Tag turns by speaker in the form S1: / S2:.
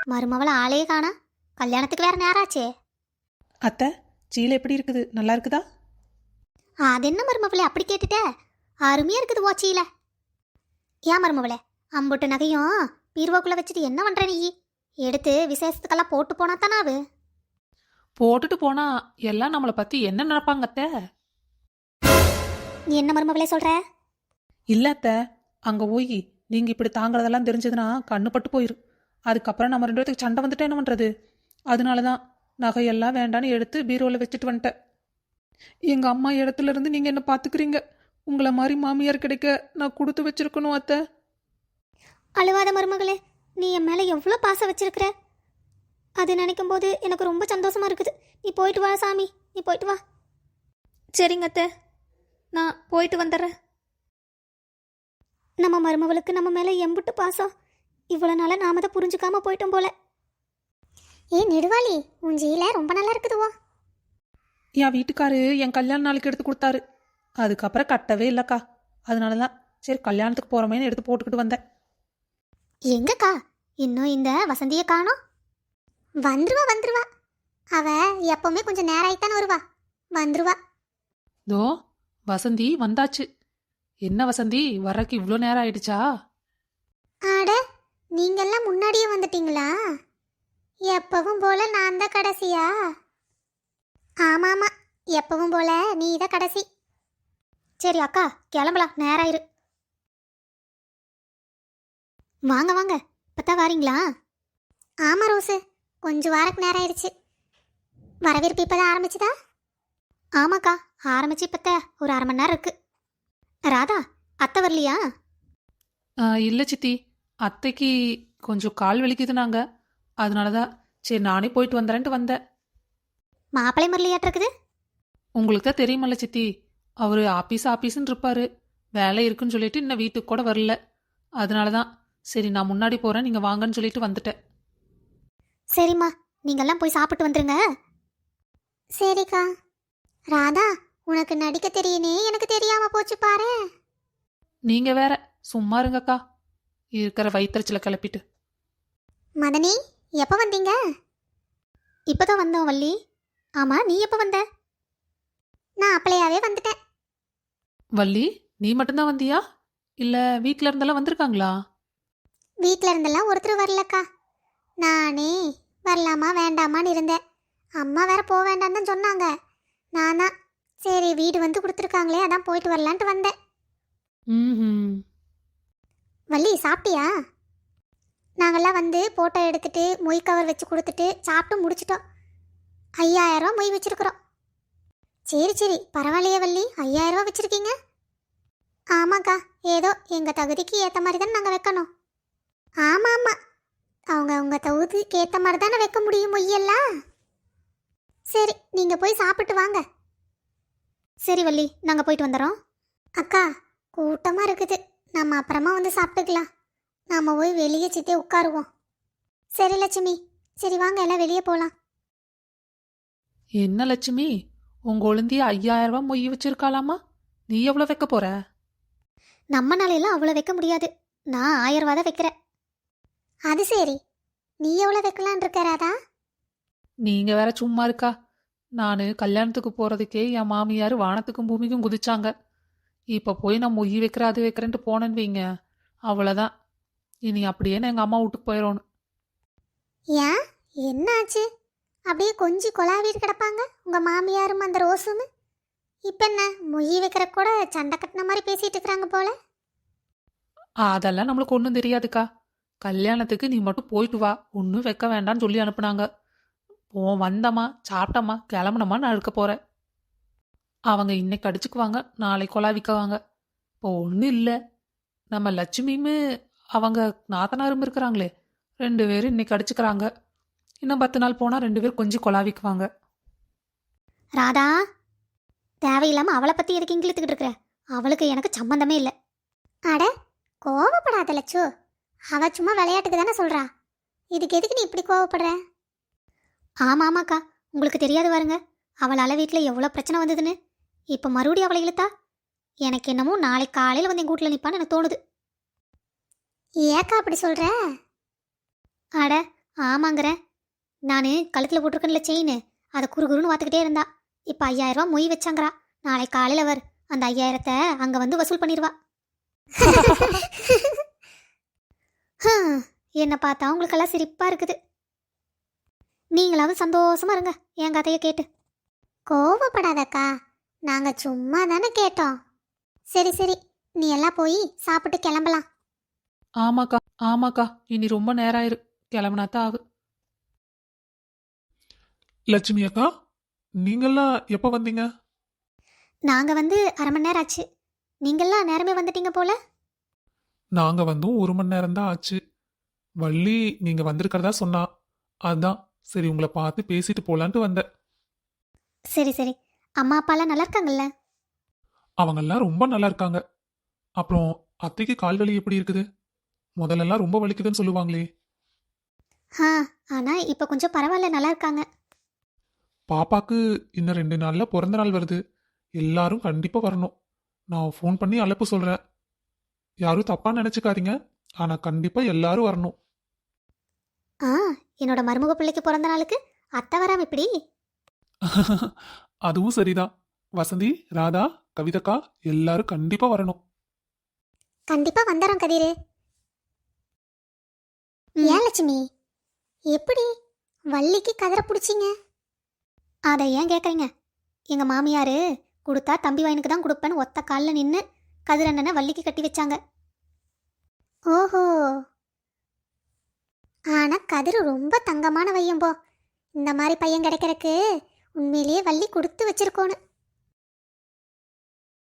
S1: மருமவள ஆளே காணா. கல்யாணத்துக்கு வேற நேரம் ஆச்சே.
S2: அத்தை, சீலை எப்படி இருக்குது? நல்லா இருக்குதா?
S1: அது என்ன மருமவளே அப்படி கேட்டுட்ட? அருமையா இருக்குது ஓச்சியில. ஏன் மருமவளே, அம்புட்டு நகையும் பீர்வோக்குள்ள வச்சுட்டு என்ன பண்ற நீ? எடுத்து விசேஷத்துக்கெல்லாம் போட்டு போனா தானாவு.
S2: போட்டுட்டு போனா எல்லாம் நம்மளை பத்தி என்ன நினைப்பாங்க அத்தை?
S1: நீ என்ன மருமவளே சொல்ற?
S2: இல்ல அத்தை, அங்க போய் நீங்க இப்படி தாங்கிறதெல்லாம் தெரிஞ்சதுன்னா கண்ணு பட்டு போயிரும். அதுக்கப்புறம் நம்ம 2 பேத்துக்கு சண்டை வந்துட்டு என்ன பண்றது? அதனாலதான் நகையெல்லாம் வேண்டான்னு எடுத்து பீரோவில் வச்சுட்டு வந்துட்டேன். எங்க அம்மா இடத்துல இருந்து நீங்க என்ன பாத்துக்கிறீங்க. உங்களை மாதிரி மாமியார் கிடைக்க நான் கொடுத்து வச்சிருக்கணும் அத்தை.
S1: அழுவாத மருமகளே, நீ என் மேல எவ்வளோ பாசம் வச்சிருக்கிற. அது நினைக்கும் போது எனக்கு ரொம்ப சந்தோஷமா இருக்குது. நீ போயிட்டு வா சாமி, நீ போயிட்டு வா.
S2: சரிங்க அத்தை, நான் போயிட்டு வந்துடுறேன்.
S1: நம்ம மருமவளுக்கு நம்ம மேல எம்புட்டு பாசம். இவ்வளோ நாளாக நாம தான் புரிஞ்சுக்காம போயிட்டோம் போல. ஏ நெடுவாளி, உன் ஜீல ரொம்ப நல்லா இருக்குதுவோ.
S2: என் வீட்டுக்காரு என் கல்யாண நாளுக்கு எடுத்து கொடுத்தாரு. அதுக்கப்புறம் கட்டவே இல்லைக்கா. அதனாலதான் சரி கல்யாணத்துக்கு போறோமேன்னு எடுத்து போட்டுக்கிட்டு வந்தேன்.
S1: எங்கக்கா இன்னும் இந்த வசந்தியை காணோம்? வந்துருவா. அவ எப்பவுமே கொஞ்சம் நேரம் ஆயிட்டான்னு வருவா. வந்துருவா.
S2: தோ வசந்தி வந்தாச்சு. என்ன வசந்தி, வர்றக்கு இவ்வளோ நேரம் ஆயிடுச்சா?
S1: ஆட, நீங்கெல்லாம் முன்னாடியே வந்துட்டீங்களா? எப்பவும் போல நான் தான் கடைசியா? ஆமாமா, எப்பவும் போல நீ தான் கடைசி. சரி அக்கா, கிளம்பலாம், நேரம் ஆயிரு. வாங்க வாங்க, இப்பதான் வாரீங்களா? ஆமா ரோஸு, கொஞ்சம் வாரக்கு நேரம் ஆயிடுச்சு. வரவேற்பு இப்பதான் ஆரம்பிச்சுதா? ஆமாக்கா, ஆரம்பிச்சு இப்பத்த ஒரு 1/2 மணி நேரம் இருக்கு. ராதா, அத்தை வரலையா?
S2: இல்லை சித்தி, அத்தைக்கு கொஞ்சம் கால் வலிக்குது. நாங்கள் அதனாலதான் சரி நானே போயிட்டு வந்துறேன்ட்டு வந்தேன்.
S1: மாப்பிள்ளை முரளியாட்டு இருக்குது.
S2: உங்களுக்கு தான் தெரியுமல்ல சித்தி, அவர் ஆபீஸ்ன்னு இருப்பாரு. வேலை இருக்குன்னு சொல்லிட்டு இன்னும் வீட்டுக்கு கூட வரல. அதனாலதான் சரி நான் முன்னாடி போறேன், நீங்க வாங்கன்னு சொல்லிட்டு வந்துட்டேன்.
S1: சரிம்மா, நீங்கெல்லாம் போய் சாப்பிட்டு வந்துருங்க. சரிக்கா. ராதா, உனக்கு நடிக்க தெரியுனே எனக்கு தெரியாம போச்சு பாரு.
S2: நீங்க வேற சும்மா இருங்கக்கா, இருக்கிற வயிற்றுச்சலை கிளப்பிட்டு.
S1: மதனி, எப்போ வந்தீங்க? இப்போதான் வந்தோம் வள்ளி. ஆமா, நீ எப்போ வந்த? நான் அப்பளையாவே வந்துட்டேன்.
S2: வள்ளி, நீ மட்டும்தான் வந்தியா? இல்ல வீட்ல இருந்தெல்லாம் வந்திருக்காங்களா?
S1: வீட்டில் இருந்தெல்லாம் ஒருத்தர் வரலக்கா. நானே வரலாமா வேண்டாமான்னு இருந்தேன். அம்மா வேற போக வேண்டாம் தான் சொன்னாங்க. நான் தான் சரி வீடு வந்து கொடுத்துருக்காங்களே, அதான் போயிட்டு வரலான்ட்டு வந்தேன்.
S2: ம்.
S1: வள்ளி, சாப்பிட்டியா? நாங்கள்லாம் வந்து ஃபோட்டோ எடுத்துட்டு மொய் கவர் வச்சு கொடுத்துட்டு சாப்பிட்டு முடிச்சிட்டோம். 5000 மொய் வச்சிருக்கிறோம். சரி பரவாயில்லையே வள்ளி, 5000 வச்சுருக்கீங்க. ஆமாக்கா, ஏதோ எங்கள் தகுதிக்கு ஏற்ற மாதிரி தானே நாங்கள் வைக்கணும். ஆமாம், அவங்க தகுதிக்கு ஏற்ற மாதிரி தானே வைக்க முடியும் மொய்யெல்லாம். சரி, நீங்கள் போய் சாப்பிட்டு வாங்க. சரி வள்ளி, நாங்கள் போயிட்டு வந்துடுறோம். அக்கா, கூட்டமாக இருக்குது, நம்ம அப்புறமா வந்து சாப்பிட்டுக்கலாம். நாம் போய் வெளியே சித்தே உட்காருவோம். சரி லட்சுமி, சரி வாங்க எல்லாம் வெளியே போகலாம்.
S2: என்ன லட்சுமி, உங்க ஒழுந்திய 5000 மொய் வச்சிருக்காளாமா? நீ எவ்வளோ வைக்க போற?
S1: நம்ம நாளையெல்லாம் அவ்வளோ வைக்க முடியாது. நான் 1000 தான் வைக்கிறேன். அது சரி, நீ எவ்வளோ வைக்கலான் இருக்கிறாதா?
S2: நீங்க வேற சும்மா இருக்கா. நான் கல்யாணத்துக்கு போறதுக்கே என் மாமியார் வானத்துக்கும் பூமிக்கும் குதிச்சாங்க. இப்ப போய் நான் மொய் வைக்கிற அது வைக்கிறேன்ட்டு போனேன்னு வைங்க, அவ்வளோதான். இனி அப்படியே நான் எங்க அம்மா வீட்டுக்கு போயிடணும்.
S1: ஏன், என்ன ஆச்சு? அப்படியே கொஞ்சி கொலாவிட்டு கிடப்பாங்க உங்க மாமியாரும் அந்த ரோஸும். இப்போ என்ன, மொய் வைக்கிற கூட சண்டை கட்டின மாதிரி பேசிட்டு இருக்கிறாங்க போல.
S2: அதெல்லாம் நம்மளுக்கு ஒன்றும் தெரியாதுக்கா. கல்யாணத்துக்கு நீ மட்டும் போயிட்டு வா, ஒன்றும் வைக்க வேண்டாம்னு சொல்லி அனுப்புனாங்க. வந்தம்மா சாப்பிட்டம்மா கிளம்புனம்மா நான் இருக்க போறேன். அவங்க இன்னைக்கு அடிச்சுக்குவாங்க, நாளைக்கு கொலாவிக்குவாங்க. இப்போ ஒன்றும் இல்லை, நம்ம லட்சுமியுமே அவங்க நாத்தனாரும் இருக்கிறாங்களே, 2 பேரும் இன்னைக்கு அடிச்சுக்கிறாங்க. இன்னும் 10 நாள் போனால் 2 பேர் கொஞ்சம் கொலாவிக்குவாங்க.
S1: ராதா, தேவையில்லாமல் அவளை பற்றி எதுக்கு இங்கிழுத்துக்கிட்டு இருக்கிற? அவளுக்கு எனக்கு சம்மந்தமே இல்லை. அட, கோவப்படாத லட்சு, அவ சும்மா விளையாட்டுக்கு தானே சொல்கிறா. இதுக்கு எதுக்கு நீ இப்படி கோவப்படுற? ஆமாக்கா, உங்களுக்கு தெரியாது பாருங்க, அவளால் வீட்டில் எவ்வளோ பிரச்சனை வந்ததுன்னு. இப்போ மறுபடியும் அவளை இழுத்தா எனக்கு என்னமோ நாளைக்கு காலையில் வந்து எங்கள் வீட்டில் நிற்பான்னு எனக்கு தோணுது. ஏக்கா அப்படி சொல்கிற? அட, ஆமாங்கிறேன். நான் கழுத்தில் போட்டிருக்கேன்ல செயின், அதை குறுகுறுன்னு பார்த்துக்கிட்டே இருந்தா. இப்போ 5000 ரூபா மொய் வச்சாங்கிறா. நாளை காலையில் வர், அந்த 5000த்தை அங்கே வந்து வசூல் பண்ணிடுவா. என்னை பார்த்தா உங்களுக்கெல்லாம் சிரிப்பாக இருக்குது. நீங்களாவது சந்தோஷமா இருங்க என் கதையை கேட்டு. கோவப்படாதக்கா, நாங்கள் சும்மா தானே கேட்டோம். சரி சரி, நீ எல்லாம் போய் சாப்பிட்டு கிளம்பலாம்.
S2: ஆமாக்கா ஆமாக்கா, இனி ரொம்ப நேரம் ஆயிரு, கிளம்புனாத்தான் ஆகு.
S3: லட்சுமி அக்கா, நீங்கெல்லாம் எப்போ வந்தீங்க?
S1: நாங்கள் வந்து அரை மணி நேரம் ஆச்சு. நீங்கள்லாம் நேரமே வந்துட்டீங்க போல.
S3: நாங்க வந்தும் 1 மணி நேரம் தான் ஆச்சு. வள்ளி நீங்க வந்திருக்கிறதா சொன்னா, அதான் சரி உங்களை பார்த்து பேசிட்டு போலான்ட்டு வந்தேன்.
S1: சரி சரி, அம்மா அப்பாலாம் நல்லா இருக்காங்கல்ல?
S3: அவங்கெல்லாம் ரொம்ப நல்லா இருக்காங்க. அப்புறம் அத்தைக்கு கால் வலி எப்படி இருக்குது? முதல்லலாம் ரொம்ப வலிக்குதுன்னு சொல்லுவாங்களே.
S1: ஆ, ஆனால் இப்போ கொஞ்சம் பரவாயில்ல, நல்லா இருக்காங்க.
S3: பாப்பாக்கு இன்னும் 2 நாள்ல பிறந்த நாள் வருது. எல்லாரும் கண்டிப்பா வரணும். நான் ஃபோன் பண்ணி அழைப்பு சொல்றேன். யாரும் தப்பா நினைச்சுக்காதீங்க. ஆனா கண்டிப்பா எல்லாரும் வரணும்.
S1: ஆ, என்னோட மருமக பிள்ளைக்கு பிறந்த நாளுக்கு அத்தை வராம இப்படி?
S3: அதுவும் சரிதான். வசந்தி, ராதா, கவிதக்கா எல்லாரும் கண்டிப்பா வரணும்.
S1: கண்டிப்பாக வந்துடுறோம் கதிரு. ஏன் லட்சுமி, எப்படி வள்ளிக்கு கதிரை பிடிச்சிங்க? அதை ஏன் கேட்குறீங்க? எங்கள் மாமியார் கொடுத்தா தம்பி வயனுக்கு தான் கொடுப்பேன்னு ஒத்த காலில் நின்று கதிரண்ணனை வள்ளிக்கு கட்டி வச்சாங்க. ஓஹோ, ஆனால் கதிரு ரொம்ப தங்கமான பையன்போ. இந்த மாதிரி பையன் கிடைக்கிறக்கு உண்மையிலேயே வள்ளி கொடுத்து வச்சிருக்கோன்னு.